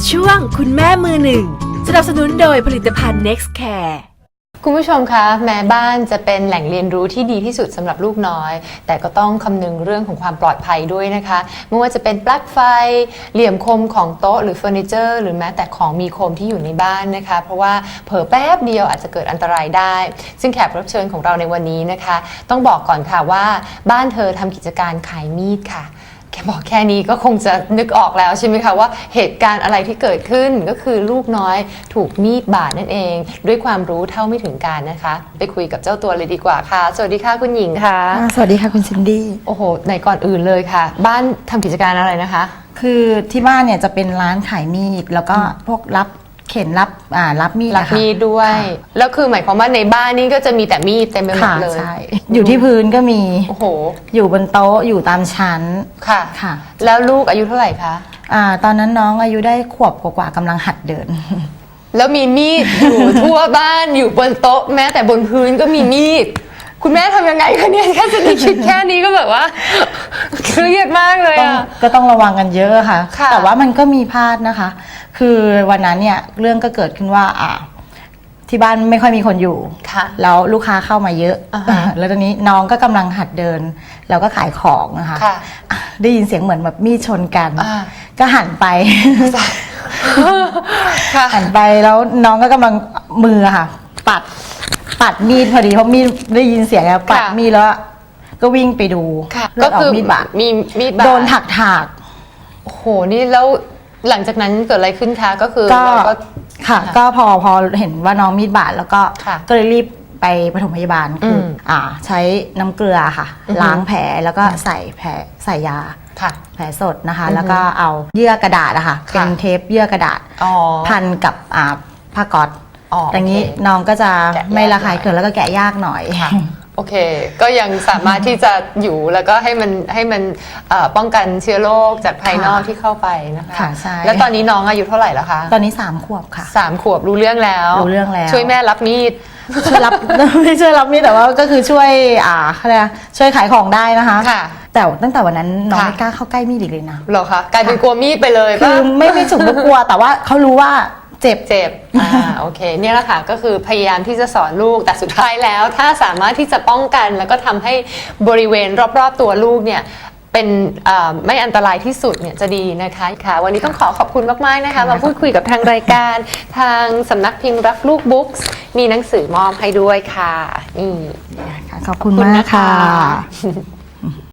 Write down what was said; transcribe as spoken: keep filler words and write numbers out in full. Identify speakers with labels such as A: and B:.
A: ช่วงคุณแม่มือหนึ่งสนับสนุนโดยผลิตภัณฑ์ Next Care
B: คุณผู้ชมคะแม้บ้านจะเป็นแหล่งเรียนรู้ที่ดีที่สุดสำหรับลูกน้อยแต่ก็ต้องคำนึงเรื่องของความปลอดภัยด้วยนะคะไม่ว่าจะเป็นปลั๊กไฟเหลี่ยมคมของโต๊ะหรือเฟอร์นิเจอร์หรือแม้แต่ของมีคมที่อยู่ในบ้านนะคะเพราะว่าเผลอแป๊บเดียวอาจจะเกิดอันตรายได้ซึ่งแขกรับเชิญของเราในวันนี้นะคะต้องบอกก่อนค่ะว่าบ้านเธอทำกิจการขายมีดค่ะแค่บอกแค่นี้ก็คงจะนึกออกแล้วใช่ไหมคะว่าเหตุการณ์อะไรที่เกิดขึ้นก็คือลูกน้อยถูกมีดบาดนั่นเองด้วยความรู้เท่าไม่ถึงการนะคะไปคุยกับเจ้าตัวเลยดีกว่าค่ะสวัสดีค่ะคุณหญิงค่ะ
C: สวัสดีค่ะคุณซินดี้
B: โอ้โหในก่อนอื่นเลยค่ะบ้านทำกิจการอะไรนะคะ
C: คือที่บ้านเนี่ยจะเป็นร้านขายมีดแล้วก็พวกรับเข็นรับอ่ารับมีด
B: รับมีดด้วยแล้วคือหมายความว่าในบ้านนี่ก็จะมีแต่มีดเต็มไปหมดเลย
C: ใช่อยู่ที่พื้นก็มี
B: โอ้โห
C: อยู่บนโต๊ะอยู่ตามชั้น
B: ค่ะ
C: ค่ะ
B: แล้วลูกอายุเท่าไหร่คะ
C: อ่าตอนนั้นน้องอายุได้ขวบกว่าๆกำลังหัดเดิน
B: แล้วมีมีดอยู่ทั่วบ้านอยู่บนโต๊ะแม้แต่บนพื้นก็มีมีดคุณแม่ทำยังไงคะเนี่ยแค่จะคิดแค่นี้ก็แบบว่าเครียดมากเลยอ่ะ
C: ก็ต้องระวังกันเยอะค่ะ
B: ค่ะ
C: แต่ว่ามันก็มีพลาดนะคะคือวันนั้นเนี่ยเรื่องก็เกิดขึ้นว่าอ่าที่บ้านไม่ค่อยมีคนอยู่แล้วลูกค้าเข้ามาเยอะแล้วตอนนี้น้องก็กำลังหัดเดินแล้วก็ขายของนะคะได้ยินเสียงเหมือนแบบมีดชนกันก็หันไปหันไปแล้วน้องก็กำลังมือค่ะปัดปัดมีดพอดีเพราะมีดได้ยินเสียงแล้วปัดมีดแล้วก็วิ่งไปดู
B: ก็คือมีดบาดมีมีดบาด
C: โดนถักถาก
B: โอ้โหนี่แล้วหลังจากนั้นเกิดอะไรขึ้นคะก็คือ
C: ก็ค่ะก็พอพอเห็นว่าน้องมีดบาดแล้วก็ก็เลยรีบไปปฐมพยาบาลคืออ่าใช้น้ำเกลือค่ะล้างแผลแล้วก็ใส่แผลใส่ยาแผลสดนะคะแล้วก็เอาเยื่อกระดาษอะค่ะเป็นเทปเยื่อกระดาษพันกับอ่าผ้าก๊อซอย่างนี้น้องก็จะไม่ระคายเคืองแล้วก็แกะยากหน่อย
B: โอเคก็ยังสามารถที่จะอยู่แล้วก็ให้มันให้มันป้องกันเชื้อโรคจากภายนอกที่เข้าไปนะคะ
C: ค่ะใช่
B: แล้วตอนนี้น้องอายุเท่าไหร่แล้วคะ
C: ตอนนี้สามขวบค่ะ
B: สามขวบรู้เรื่องแล้ว
C: รู้เรื่องแล้ว
B: ช่วยแม่รับมีด
C: ช่วยรับไม่ช่วยรับมีดแต่ว่าก็คือช่วยอ่าอะไรช่วยขายของได้นะคะ
B: ค่ะ
C: แต่ตั้งแต่วันนั้นน้องไม่กล้าเข้าใกล้มีดอีกเลยนะ
B: หรอคะกลายเป็นกลัวมีดไปเลย
C: คือไม่ไม่ฉุกไม่กลัวแต่ว่าเขารู้ว่าเจ็บ
B: เจ็บอ่าโอเคเนี่ยแหละค่ะก็คือพยายามที่จะสอนลูกแต่สุดท้ายแล้วถ้าสามารถที่จะป้องกันแล้วก็ทำให้บริเวณรอบๆตัวลูกเนี่ยเป็นไม่อันตรายที่สุดเนี่ยจะดีนะคะค่ะวันนี้ต้องขอขอบคุณมากๆนะคะมาพูดคุยกับทางรายการทางสำนักพิมพ์รักลูกบุ๊กส์มีหนังสือมอบให้ด้วยค่ะนี่
C: ขอบคุณมากค่ะ